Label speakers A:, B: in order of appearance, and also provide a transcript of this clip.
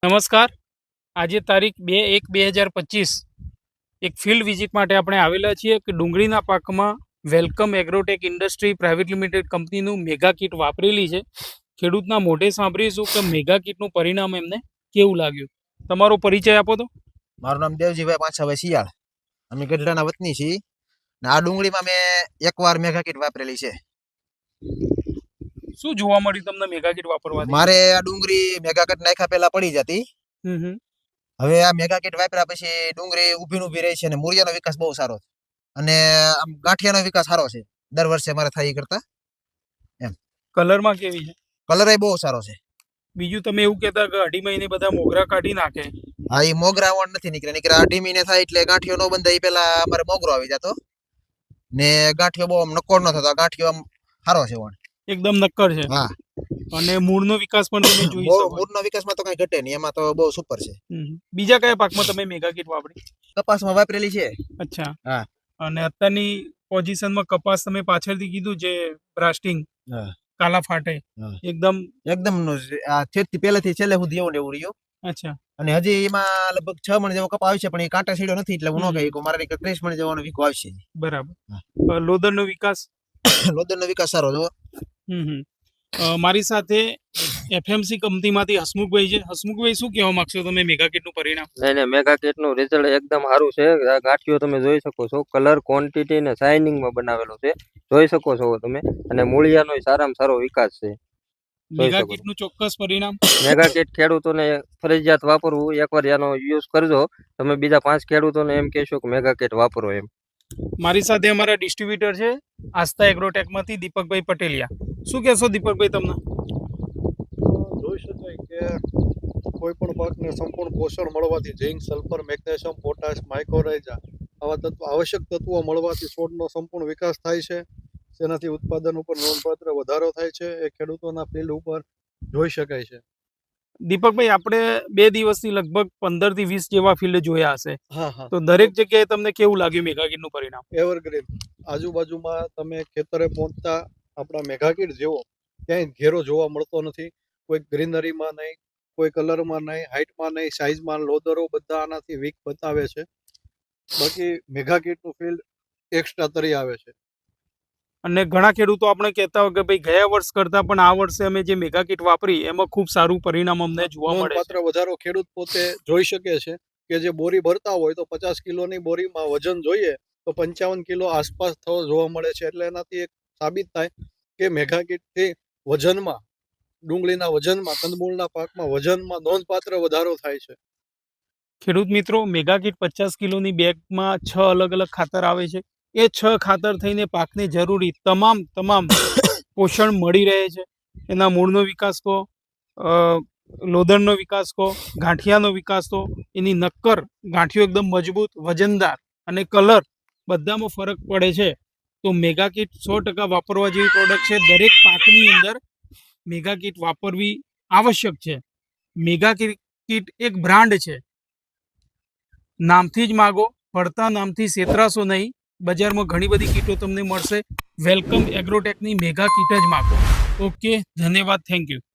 A: નમસ્કાર. આજે તારીખ 2/1/2025 એક ફિલ્ડ વિઝિટ માટે આપણે આવેલા છીએ કે ડુંગળીના પાકમાં welcome agrotech industry private limited કંપનીનું મેગા કીટ વાપરેલી છે. ખેડૂતના મોઢે સાંભળીશું કે મેગા કીટનું પરિણામ એમને કેવું લાગ્યું. તમારો પરિચય આપો તો.
B: મારું નામ દેવજીભાઈ પાછાભાઈ શિયાળ. અમે ગઢડાના વતની છીએ ને આ ડુંગળીમાં મેં એકવાર મેગા કીટ વાપરેલી છે.
A: શું જોવા મળ્યું તમને મેગા કીટ વાપરવાથી?
B: મારે આ ડુંગળી મેગા કીટ નાખ્યા પહેલા પડી જતી. હવે આ મેગા કીટ વાપર્યા પછી ડુંગળી ઊભી રહી છે અને મૂળિયાનો વિકાસ બહુ સારો છે અને આમ ગાંઠિયાનો વિકાસ સારો છે. દર વર્ષે મારે થાય કરતા એમ.
A: કલરમાં કેવી છે?
B: કલર બહુ સારો છે.
A: બીજું તમે એવું કહેતા કે અઢી મહિને બધા મોગરા કાઢી નાખે.
B: હા, એ મોગરા વણ નથી નીકળ્યા. અઢી મહિને થાય એટલે ગાંઠિયો ન બંધાય એ પેલા અમારે મોગરો આવી જતો ને ગાંઠિયો બહુ આમ નક્કોર ન થતો. ગાંઠિયો આમ સારો છે વણ.
A: એકદમ નક્કર છે.
B: હા.
A: અને મૂળનો વિકાસ પણ તમે જોઈ શકો.
B: મૂળનો વિકાસમાં તો કઈ ઘટે નહીં, એમાં તો બહુ સુપર છે.
A: બીજા કયા પાકમાં તમે મેગા કીટ વાપરી?
B: કપાસમાં વાપરેલી છે.
A: અચ્છા.
B: હા.
A: અને અત્યારની પોઝિશનમાં કપાસ તમે પાછળથી કીધું જે બ્રાસ્ટિંગ કાલા ફાટે એકદમ
B: છેડથી પહેલેથી છેલ્લે સુધી એવું ને એવું રહ્યું.
A: અચ્છા.
B: અને હજી એમાં લગભગ 6 મણ જેવો કપા આવશે પણ એ કાંટા સીડો નથી એટલે હું ન કહી મારે 30 મણ જેવાનો વીકો આવશે.
A: બરાબર. લોદરનો વિકાસ?
B: લોદરનો વિકાસ સારો જો.
A: મારી સાથે એફએમસી કંપનીમાંથી હસમુખભાઈ છે. હસમુખભાઈ, શું કહેવા માંગશો તમે મેગા કીટનું પરિણામ?
C: નહીં, મેગા કીટનું રિઝલ્ટ એકદમ સારું છે. ગાંઠિયો તમે જોઈ શકો છો, કલર, ક્વોન્ટિટી ને શાઇનિંગમાં બનાવેલો છે, જોઈ શકો છો તમે. અને મૂળિયાનો સારામાં સારો વિકાસ છે.
A: મેગા કીટનું ચોક્કસ પરિણામ.
C: મેગા કીટ ખેડૂતોને ફરજિયાત વાપરવું. એકવાર એનો યુઝ કરજો તમે, બીજા 5 ખેડૂતોને એમ કહેશો કે મેગા કીટ વાપરો એમ.
A: મારી સાથે અમારા ડિસ્ટ્રીબ્યુટર છે આસ્થા એગ્રોટેકમાંથી દીપકભાઈ પટેલિયા. શું કહેશો દીપકભાઈ તમને?
D: જોઈ શકાય કે કોઈ પણ પાકને સંપૂર્ણ પોષણ મળવાથી zinc, sulphur, magnesium, potash, mycorrhiza આવા આવશ્યક તત્વો મળવાથી છોડનો સંપૂર્ણ વિકાસ થાય છે. તેનાથી ઉત્પાદન ઉપર નોંધપાત્ર વધારો થાય છે. એ ખેડૂતોના ફિલ્ડ ઉપર જોઈ શકાય છે.
A: દીપકભાઈ, આપણે 2 દિવસથી લગભગ 15 થી 20 જેવા ફિલ્ડ જોયા હશે.
D: હા.
A: તો દરેક જગ્યાએ તમને કેવું લાગ્યું મેગા કીટનું પરિણામ?
D: એવરગ્રીન. આજુબાજુમાં તમે ખેતરે પહોંચતા આપણા મેગા કીટ જેવો ક્યાંય ઘેરો જોવા મળતો નથી. કોઈ ગ્રીનરીમાં નહીં, કોઈ કલરમાં નહીં, હાઇટમાં નહીં, સાઇઝમાં. લોદરો બધા આનાથી વીક બતાવે છે. બાકી મેગા કીટનું ફિલ્ડ એક્સ્ટ્રા તરી આવે છે.
A: અને ઘણા ખેડૂતો આપણે કહેતા હોય કે ભાઈ ગયા વર્ષ કરતા પણ આ વર્ષે અમે જે મેગા કીટ વાપરી એમાં ખૂબ સારું પરિણામ અમને જોવા મળે છે.
D: નોંધપાત્ર વધારો ખેડૂત પોતે જોઈ શકે છે કે જે બોરી ભરતા હોય તો 50 કિલોની બોરીમાં વજન જોઈએ તો 55 કિલો આસપાસ થવો જોવા મળે છે. એટલે એનાથી એક સાબિત થાય કે મેગા કીટથી વજનમાં, ડુંગળીના વજનમાં, કંદમૂળના પાકમાં વજનમાં નોંધપાત્ર વધારો થાય છે.
A: ખેડૂત મિત્રો, મેગા કીટ 50 કિલોની બેગમાં 6 અલગ અલગ ખાતર આવે છે. એ 6 ખાતર થઈને પાકને જરૂરી તમામ પોષણ મળી રહે છે. એના મૂળનો વિકાસ કહો, લોદરનો વિકાસ કહો, ગાંઠિયાનો વિકાસ કહો, એની નક્કર ગાંઠિયો એકદમ મજબૂત, વજનદાર અને કલર બધામાં ફરક પડે છે. તો મેગા કીટ 100% વાપરવા જેવી પ્રોડક્ટ છે. દરેક પાકની અંદર મેગા કીટ વાપરવી આવશ્યક છે. મેગા કીટ એક બ્રાન્ડ છે. નામથી જ માગો, પડતા નામથી છેતરાશો નહીં. બજારમાં ઘણી બધી કીટો તમને મળશે. વેલકમ એગ્રોટેકની મેગા કીટ જ માગો. ઓકે, ધન્યવાદ, થેન્ક યુ.